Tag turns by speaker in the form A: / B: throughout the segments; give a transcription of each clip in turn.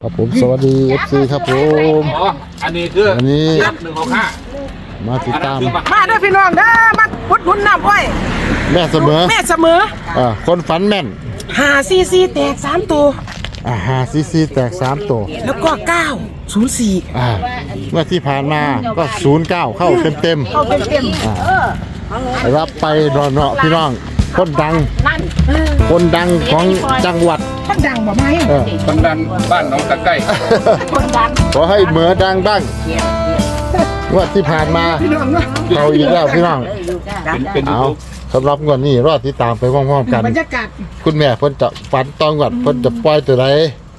A: ครับผมสวัสดี FC ครับผม
B: อันนี้คือ
A: อันนี้
B: 165
A: มาติดตาม
C: มาเด้อพี่น้องเด้อมาพุดหนุนน้ำอ้อย
A: แม่เสมอ
C: แม่เสมอ
A: คนฝันแม่น
C: 5 4 4แตก3ตัว
A: 5 4 4แตก3ตัว
C: แล้วก็9 0 4
A: เมื่อที่ผ่านมาก็ 09 เข้าเต็ม
C: เข้าเต็ม
A: ๆรับไปรอเนาะพี่น้องคนดังคนดังของจังหวัด
C: มันดังบ่ไหม
B: คนดันบ้านหนองตะไคร้
C: คนดัง
A: ขอให้เหมือดังบ้างงวดที่ผ่านมา
C: พี่น้องเนาะ
A: เขาอีกแล้วพี่น้อง
B: เป็น
A: เอาสำหรับงวดนี้รอติดตามไปพร้อมๆกัน
C: บรรยากาศ
A: คุณแม่เพิ่นจะฝันตองวดเพิ่นจะปล่อยตัวใด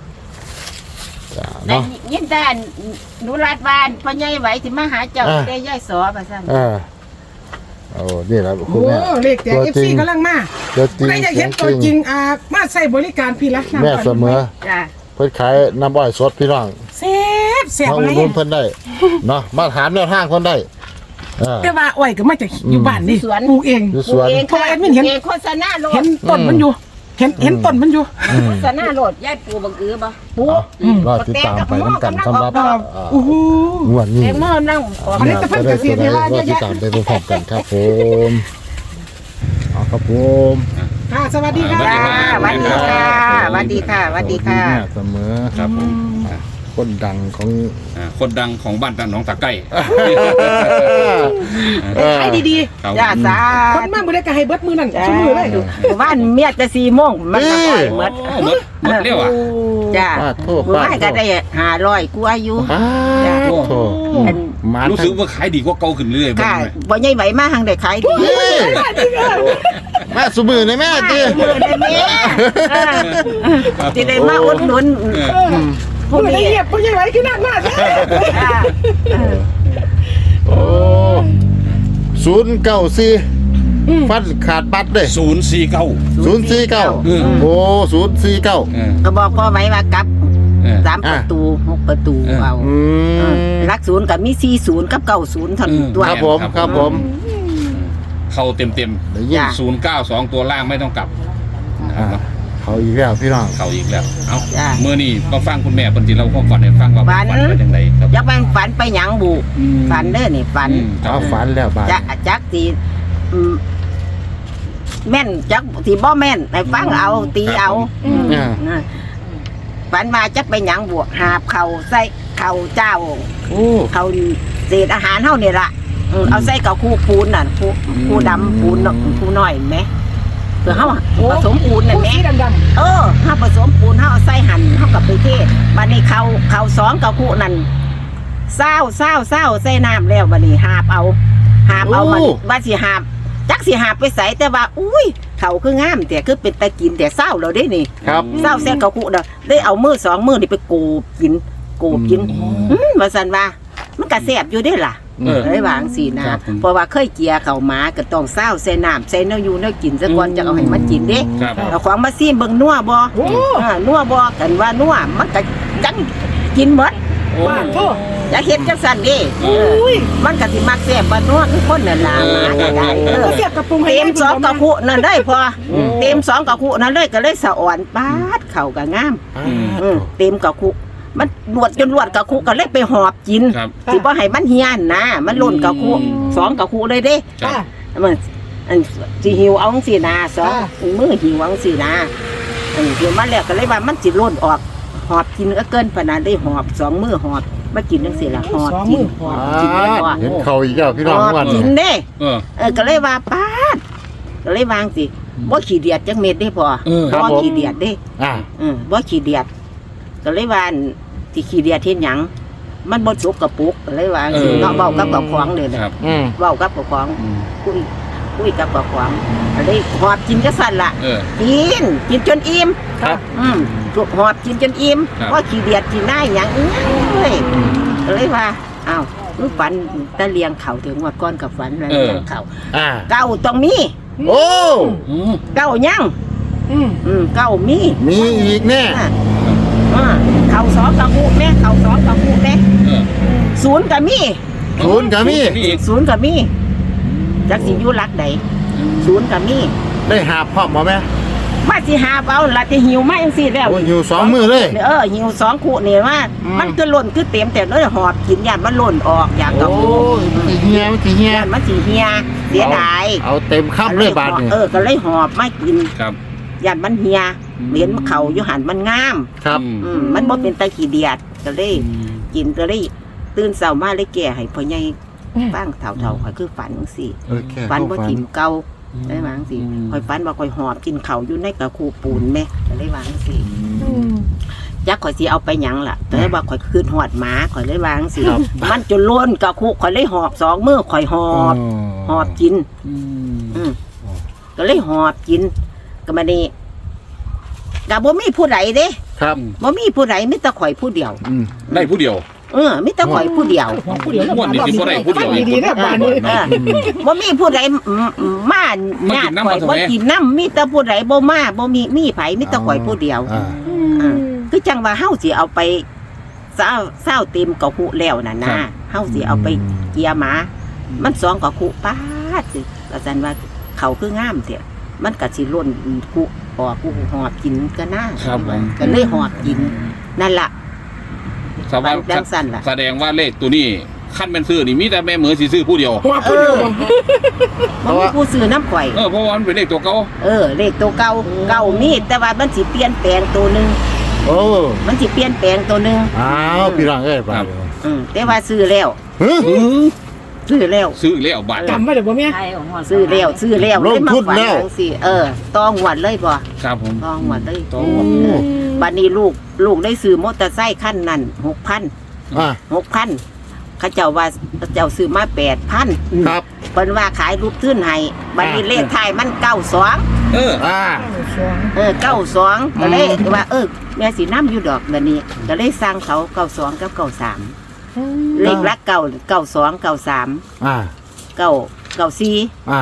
A: เนาะ
D: ยินด้านหนูรัดบ้านพ่อใหญ่ไหวที่มาหาเจ้า
A: อ่า
D: ได้ย่ายสอมาสั่น
A: โอ้นี่แหละคุ
C: โอ้
A: ณแม่
C: เลขแตก FC กำลังมา
A: ตัวจริง
C: ใครอยากเห็นตัวจริงมาใส่บริการพี่ละน้ำ
A: แม่เสมอ
D: จ้า
A: เพิ่นขายน้ำอ้อยสดพี่น้อง
C: แซ่บแซ่บ
A: มา
C: อะไร
A: อุดหนุนเพิ่นได้เนาะมาถามแนวทางเพิ่นได้เออ
C: แต่ว่าอ้อยก็มาจากอยู่บ้านนี่ปลูกเอง
A: อยู่สวน
D: เอง
C: เพราะว่าแอดมินเห็น
D: เองโฆษณาโหล
C: เห็
D: ด
C: นต้นมันอยู่ เห็นต้นมันอยู่
D: โฆษณาโหลดย่ายปูบังกือบ่ปู
A: รอติดตามไปน้ำกันสำหรับ
C: โอ้โห
A: งวดนี้
D: แตงโมนั่งออก
C: อันนี้จะเพิ่งเกษียณเวลาเย
A: รอ
C: อะ
A: ติด
C: แยะ
A: ตามไปพร้อมๆกันครับผมเอาครับผม
C: ค่ะสวัสดีค่ะ
D: จ้าสวัสดีค่ะสวัสดีค่ะสวัสดีค่ะ
A: แม่เสมอ
B: ครับผม
A: คนดังของ
B: คนดังของบ้านหนองตะไคร้
C: ขายดี
B: ครับ
D: จ้าสา
C: ๆ คนมากบ่ได้ก็ให้เบิดมือนั่นชั่วมือเลย
D: บ้านเมียจะ4 โมงมันก็ปล่อยหมด
B: หมดเร็วอ่ะ
D: จ้า
A: ป้าโทษ
D: มื้อ
A: ป้า
D: ไม่ก็ได้500กว่าอยู่
A: ป้าโทษมา
B: รู้สึกว่าขายดีกว่าเก่าขึ้นเรื่อยๆ
D: ค่ะบ่ใหญ่ไหวมาทางได้ขายดี
A: แม่สุมือในแม่จี
D: มือได้แม่ที่ได้มาอุดหนุนพวก
C: ไม่ได้
D: นี้
C: เงียบไม่ใช่ไหวขึ้นหน้ามาก
A: โอ้094ฟันขาดปัดเลย
B: 049
A: 049โอ้049
D: ก็บอกพ่อไว้ว่ากลับ3 ประตู6 ประตูเอารัก0กับมี40กับ90เท่านั้นตัว
A: ครับผมครับผม
B: เข้าเต็ม
A: ได้ยิน
B: 092ตัวล่างไม่ต้องกลับนะครับ
A: เขาอีกแล้วพี่น้อง
B: เข้าอีกแล้วเอ้าเมื่อนี้มาฟังคุณแม่เพิ่นสิเราความฝันให้ฟังว่าฝันเป็นจังไดครับ
D: ยักมันฝันไปหยังบุฝันเด้อนี่ฝัน
A: เอาฝันแล้วบาด
D: จักสิแม่นจักสิบ่แม่นให้ฟังเอาตีเอาฝันมาจักไปหยังบวกหาบเข่าใส่เข่าเจ้า
A: โอ้
D: เข่าเศษอาหารเฮานี่ล่ะเอาใส่กับคู่ปูนน่ะคู่ดำปูนคู่น้อยเห็นไหมเพื่อเฮาผสมปูนนั่นแหม
C: สีดำ
D: เฮาผสมปูนเฮาเอาใส่หั่นเฮากับไปเทศบัดนี้เขา2กับคู่นั่นเศร้าใส่น้ำแล้วบัดนี้หาบเอามันว่าสิหาบจักสิหาบไปใส่แต่ว่าอุ้ยเขาคืองามแต่คือเป็นตะกินแต่เศร้าเราได้นี่
A: ครับ
D: เศร้าแซ่กับคู่เด้อได้เอามือ2 มือนี่ไปโกบกินว่าซั่นว่ามันก็แซ่บอยู่เด้ล่ะเลยวางสินะเพราะว่าเคยเกียเขาหมาก็ต้องเศร้าใส่น้ำใส่เนื้ออยู่เนื้อกินซะก่อนจะเอาให้มันกินเด้
B: ครับ
D: เอาของมาซีมเบิ่งนัวบ่นัวบ่กันว่านัวมันก็จังกินหมด
C: ๆบ้านโทษ
D: อย่าเฮ็ดจังซั่นเด้มันก็สิมักแซ่บบ่นัวคือคนนั่นล่ะหมาก็ได้
C: ก็เสียบกระปุงให้
D: เต็ม2กระคุนั่นได้พอเต็ม2กระคุนั่นเลยก็เลยสะอ่อนปาดเข้าก็งามเต็มกระคุมันลวดจนลวดกระคุก็เลยไปหอบกิน
B: ครับ
D: สิบ่ให้มันเฮียนนะมันล่นกระคุ2กระคุเลยเด้
B: ครับ
D: มันอันสิหิวเอาจังซี่นะ2มือหิวเอาจังซี่นะหิวมาแล้วก็เลยว่ามันสิล่นออกหอบกินก็เกินปานนั้นได้หอบ2มือหอบมากินจังซี่ล่ะหอบกินกินแล้วก็
A: เห็นเขาอีกแล้วพี่น้อง
D: หอบ
A: วัน
D: กินเด้
B: เออ
D: ก็เลยว่าปาดก็เลยวางสิบ่ขี้เดียดจักเม็ดได้พอบ่ขี้เดียดเด้ บ่ขี้เดียดก็เลยว่าที่ขี้เดียดเฮ็ดหยังมันบ่สุกกระปุกก็เลยว่าสิเนาะเว้ากับกับของเลย
B: ครับ
D: เว้ากับกับของคุยกับกับของก็เลยหอบกินจังซั่นล่ะกินจนอิ่ม
A: ครับ
D: หอบกินจนอิ่มบ่ขี้เดียดกินได้หยังเอ้ยก็เลยว่าอ้าวมึงฝันตะเลียงเขาถึงว่าก้อนกับฝันแล้วเลียงเขาเก้าต้องมี
A: โอ้
D: เก้ายังเก้ามี
A: มีอีกแน่
D: เขา2กับคู่แม่เขา2กับคู่แม่0ก็มี
A: ศูนย์ก็มี
D: 0ก็มีจักสิอยู่หลักใด0ก็มี
A: ได้หาบพร้อมบ่แม่
D: ว่าสิหาเอาละที่หิวมาจังซี่แล้ว
A: โอ้ยอยู่สองมือเลย
D: หิว2คู่นี่ว่ามันก็ล้นคือเต็มแต่เลยหอบกินยานมันล้นออกอย่างกับ
A: โอ้ยมันสิเฮีย
D: ยานมันสิเฮียเสียดาย
A: เอาเต็มคำเลยบาทนี่
D: ก็เลยหอบไม่กิน
B: ครับ
D: ยานมันเฮียเหรียญเขาอยู่หันมันงาม
A: ครับ
D: มันบ่เป็นตะขี้เดียดก็เลยกินก็เลยตื่นเช้ามาเลยแก่ให้พ่อใหญ่ฟังเฒ่าๆข่อยคือฝันจังซี่
A: แค่
D: ฝันบ่ถิ่มเก่าได้วาจังซี่ข่อยฝันว่าข่อยหอบกินข้าวอยู่ในกระคูปูนแม่ก็เลยวาจังซี่จักข่อยสิเอาไปหยังล่ะแต่ว่าข่อยคืนหอดหมาข่อยเลยวาจังซี่มันจนล้นกระคูข่อยเลยหอบ2มื้อข่อยหอบกินก็เลยหอบกินก็มานี่ก็บ่มีผู้ใดเด้
A: ครับ
D: บ่มีผู้ใดมีแต่ข่อยผู้เดียว
B: ได้ผู้เดียว
D: มีแต่ข่อยผู้เดียว
C: ผู้เดียว
B: ม่วนนี่สิบ่ได้ผู้เดียวอีก
C: ดีๆนะบ้านนี้
D: บ่มีผู้ใดมาญาติข่อยบ่กินน้ำมีแต่ผู้ใดบ่มาบ่มีไผมีแต่ข่อยผู้เดียวคือจังว่าเฮาสิเอาไปเศร้าเต็มกะคุแล้วน่ะนะเฮาสิเอาไปเกียหมามัน2กะคุป๊าดสิก็ซั่นว่าเขาคืองามเด้มันก็สิล้นคุออกกูหอบกินก็น่า
B: ครับผม
D: ก็เลยหอบกินนั่นล่ะ
B: แสดงว่าเลขตัวนี้ขั้นเป็นซื้อนี่มีแต่แม่เหมือสิซื้อผู้เดียว
C: หัวผู้เดียว
D: มันมีผู้ซื้อน้ำข่อย
B: เพราะว่ามันเป็นเลขตัวเก่า
D: เลขตัวเก่ามีแต่ว่ามันสิเปลี่ยนแปลงตัวหนึง
A: โอ้
D: มันสิเปลี่ยนแปลงตัวหนึง
A: อ้าวพี่น้องเอ้ยบาท
D: แต่ว่าซื้อแล้ว ซื้อแล้ว
B: ซื้อแล้วบาท
C: จำไว้เดี๋ยวบ่แม่
D: ซื้อแล้วเลยมาฝันจังซี่ต้องหวดเลยบ่
B: ครับผม
D: ต้องหวดเลย
B: ต้องหวด
D: บัดนี้ลูกได้ซื้อมอเตอร์ไซค์คันนั้น 6,000 6,000เขาเจ้าว่าเจ้าซื้อมา 8,000
A: ครับ
D: เพิ่นว่าขายรูปทื่นให้บัดนี้เลขท้ายมัน92 92ก็เลยว่าแม่สินำอยู่ดอกบัดนี้ก็เลยสั่งเขา92กับ93เลขหลัก92 93 94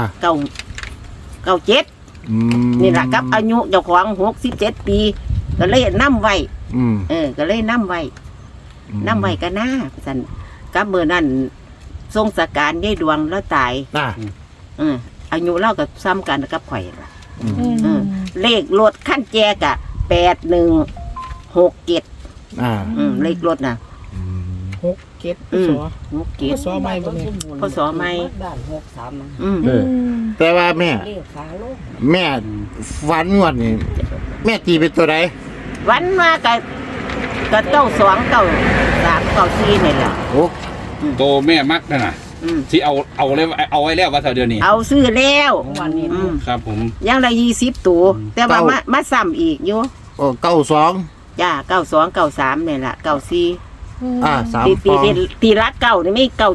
D: 97นี่ล่ะกับอายุเจ้าของ67 ปีก็เลยนำไว้ก็เลยนำไว้ก็น่าซั่นกับมื้อนั้นทรงสการยายดวงแล้วตายอายุเล่ากับซ้ำกันกับข่อยล่ะเลขรถขั้นแจกะ8167เลขรถน่ะ
C: 6-7
D: 67
C: สอใหม่บ่แม่
D: พศใหม่
A: แต่ว่าแม่ฝันงวดนี่แม่ตีเป็นตัวใด
D: วันมาก็เก้า2 9 3 9 4นี่แหละ
A: โอ้
B: โตแม่มักนั่นน่ะที่เอาเลยเอาไว้แล้วว่าเท่าเดือนนี้
D: เอาซื้อแล้ว
B: ครับผม
D: ยังได้20ตัวแต่ว่ามาซ้ำอีกอยู่
A: 92
D: จ้า92 93นี่แหละ94
A: 3
D: ตีรักเก่านี่ไม่97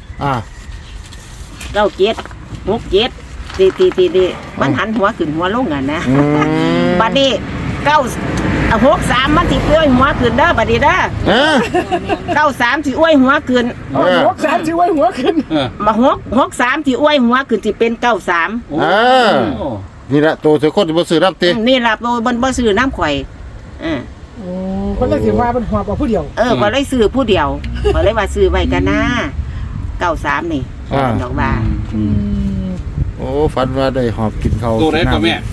D: ตีมันหันหัวขึ้นหัวลงอ่ะนะบัดนี้63มันสิอ้วยหัวขึ้นเด้อบัดนี้เด้อ93สิอ้วยหัวขึ้น
C: 63สิไว้หัวขึ้น
D: มา63สิอ้วยหัวขึ้นสิเป็น93
A: นี่แหละตัวเสือคนที่บ่ซื้อน้ำตี
D: นี่ล่ะบ่ซื้อน้ำข่อย
C: คนเลยสิว่าเป็นหัวผู้เดียว
D: ก็เลยซื้อผู้เดียวก็เลยว่าซื้อไว้กันนะ93นี่ดอกบา
A: โอ้ฝันว่าได้หอบกินเขา
B: ตัวไหนก็แม่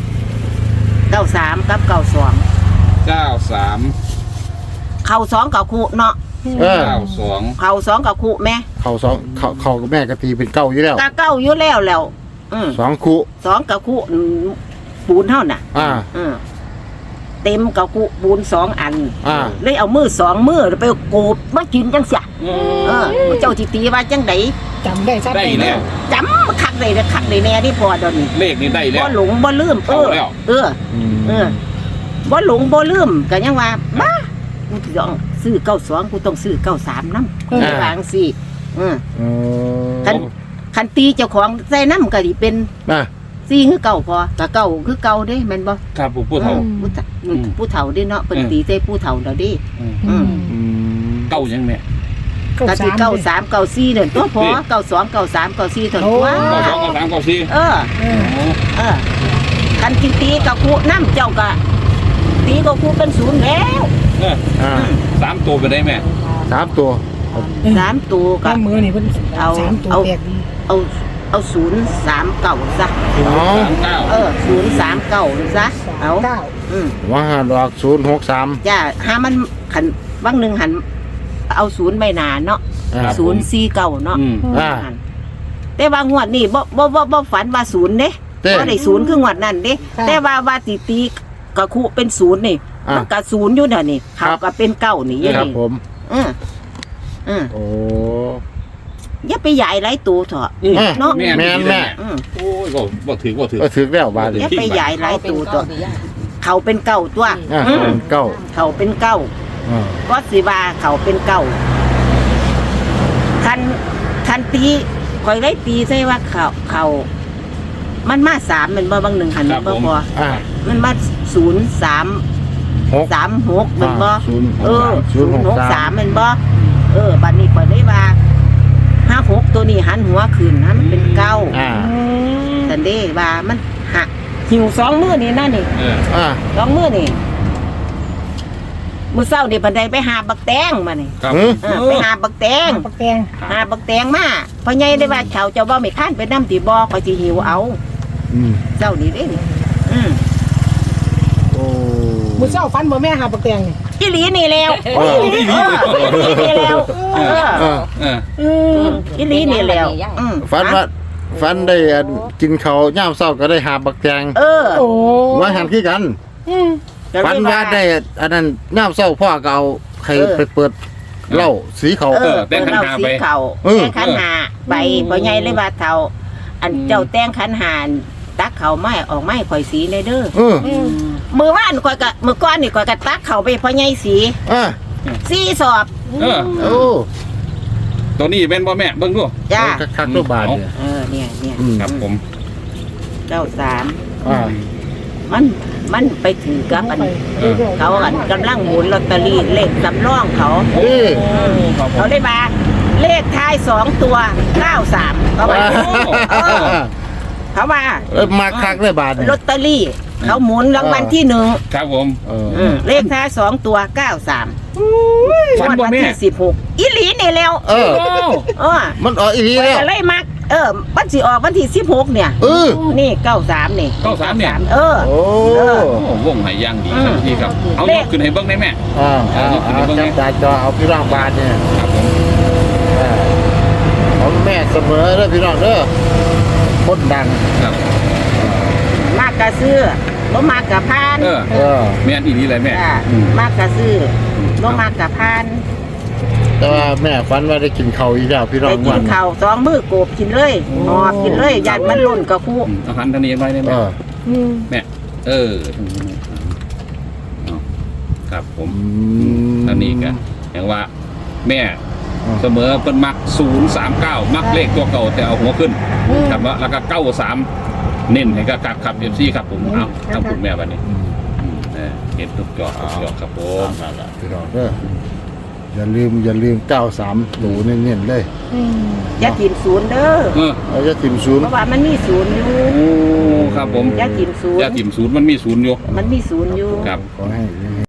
D: 93กับ92
B: 93
D: เข้า2กับคู่เนาะ
B: 92
D: เข้า2กับคู่แม่
A: เขากับแม่กะตีเป็นเก้าอยู่แล้ว
D: ก็เก้าอยู่แล้ว
A: 2คู่
D: 2กับคู่ปูนเท่าน่ะเต็มกับคู่ปูน2อันเลยเอามือ2มือไปโกบมากินจังเสียเจ้าสิตีว่าจังได๋
C: จำได้ชัด
B: ได้แล้ว
D: จำคักเลยแน่ที่พอดอน
B: เลขนี้ได้แล้ว
D: บ่หลงบ่ลืมบ่หลงบ่ลืมก็ยังว่าบ้ากูต้องซื้อ92กูต้องซื้อ93นำวางสิคันตีเจ้าของใส่นำก็สิเป็น4คือเก่าพอก็เก่าคือเก่าเด้แม่นบ่
B: ครับผู้เฒ่า
D: ผู้เฒ่าเด้เนาะเพิ่นตีใส่ผู้เฒ่าแล้วเด้
B: เก่ายังแม่
D: ก็สิ93 94นั่นตัวพอ92 93 94เท่าตัว
B: 92 93 94
D: คันตีกับคู่น้ำเจ้าก็ตีกับคู่เป็น0แล้ว
B: 3ตัวไปได้แม่
A: 3ตัว
D: 3ตัวก็
C: มือนี่เพิ่น3ตัวแตกดี
D: เอา039ซะ039ซะเอา
C: เก้า
A: ว่าหันออก063
D: จ้าหามันขันบางหนึ่งหันเอาศูนย์ใบหนาเนาะ
A: ครับ
D: ศูนย์สี่เก้าเนาะ
A: อ่า
D: แต่ว่างวดนี่บ่ฝันว่าศูนย์เด้
A: เต้
D: บ่ได้ศูนย์คืองวดนั่นเด้แต่ว่าตีกะคุเป็นศูนย์นี่มันก็ศูนย์อยู่เดี๋ยวนี้เขาก็เป็นเก้านี่อยัง
A: ครับ
D: นี่
A: ผม
D: โอ้
A: โอ้
D: อย่าไปใหญ่หลายตัวเถอะ เนาะ
B: แม่
A: แม่นแม่
B: โอ้ยบ่ถือ
A: ก็ถึกแล้วบาดนี้
D: อย่าไปใหญ่หลายตัวตัวเขาเป็นเก้าตัว
A: เป็นเก้า
D: เขาเป็นเก้า
A: อ่า
D: ก็สิว่าเขาเป็นเก้าคันตีคอยได้ตีใช่ว่าเขามันมาสามมันบ่บางหนึ่งหันมันบ่พอ
A: อ่า
D: มันมา
A: 6
D: 36มันบ่
A: 063
D: มันบ่บัดนี้คอยได้ว่า56ตัวนี้หันหัวขึ้นนะมันเป็นเก้า
A: อ่า
D: สันเด้ว่ามันหักหิวสองมือนี่นั่นนี่
A: อ่า
D: สองมือนี่มือเศร้าเดี๋ยวบันไดไปหาบักแตงมานี่
B: ครับ
D: ไปหาบักแตง
C: ปักแกง
D: หาบักแตงมาเพราะไงได้ว่าเขาเจ้าบ่ไม่ข้านไปน้ำตีบ่อคอยสิหิวเอา
A: อืม
D: เจ้านี่เด้นี่
A: โอ้
C: มือเช้าฟันบ่แม่หาปักแกงนี่
D: อีหลีนี่แล้ว
A: เออ
D: อีหลีนี่แล้ว อีหลีนี่แล้ว
A: ฟันได้อันกินเขาวย่ามเศร้าก็ได้หาบักแจง
C: โอ้
A: ว่าหันขี้กัน ฟันว่าได้อันนั้นย่ามเศร้าพ่อก็เอาใครไปเปิดเหล้าสีเขา
B: แต้งขันหาไป
D: เขาแต้งขันหาไปเพราะไงเลยว่าเท่าอันเจ้าแต้งขันหาตักเขาไม่ออกไม่ข่อยสีในเด้อ มือว่านก่อยกะมือก้อนนี่ก่อยกะตักเขาไปเพราะไงสี
A: อ่า
D: สีสอบ
A: โอ้
B: ตัวนี้เป็นบ่แม่เบิ่งดู
D: จ้า
A: คักๆตัวบาทเนี่ย
D: เนี่ย
B: ครับผม
D: เจ้าสาม
A: อ่า
D: มันไปถือกับอันเขาอันกำลังหมุนลอตเตอรี่เลขสำรองเขา
A: เอ้ย
D: เขาได้มาเลขท้าย2 ตัว93เขาว่าเขาว่า
A: มาคักเลยบาทเนี่ย
D: ลอตเตอรี่เขาหมุนรางวัลที่1
B: ครับผม
D: เลขท้าย2 ตัว93
B: ฟันบ่แม่
D: ที่16อีหลีนี่แล้ว
A: มันออกอีกทีแล้ว
D: ก็เลยมักวันสิออกวันที่16เนี่ยนี่93นี่
B: 93เนี่ย
A: โอ้
B: โอ้วงไหนย่างดีครับพี่ครับเอายกขึ้นให้เบิ่งได้แม่
A: เอาจับตาจอเอาพี่ร่างบาทเนี่ย
B: ครับผม
A: ของแม่เสมอเด้อพี่น้องเด้อคนดัง
B: ครับ
D: มากกะซื้อบ่มากกะพาน
B: แม่นอีนี่เลยแม่
D: มากกะซื้อบ่มากกะพาน
A: แต่ว่าแม่ฝันว่าได้กินเขาวอีกแล้วพี่น้อง
D: ไปกินข้าว2มื้อโกบกินเลยหอบกินเลยยันมันล้นกะคู
B: เอาหันทางนี้ไว้ได้ไหมแม่ครับผมทางนี้กันอย่างว่าแม่เสมอเป็นมัก039มักเลขตัวเก่าแต่เอาหัวขึ้นครับว่าแล้วก็93เน้นให้กับขับ FC ครับผมเอาทำคุณแม่วันนี้เห็นทุกจอครับผม
A: พี่น้องเด้ออย่าลืม93ตูเน้นๆเลย
D: อย่ากินศูนย์เด้อ
A: เราจะถิ่มศูนย์
D: เพราะว่ามันมีศูนย์อยู่
B: โอ้ครับผม
D: อย่ากินศูน
B: อย่า
D: ย์
B: ถิ่มศูนย์มันมีศูนย์อยู่
D: มันมีศูนย์อยู่
B: ครับ
A: ขอให้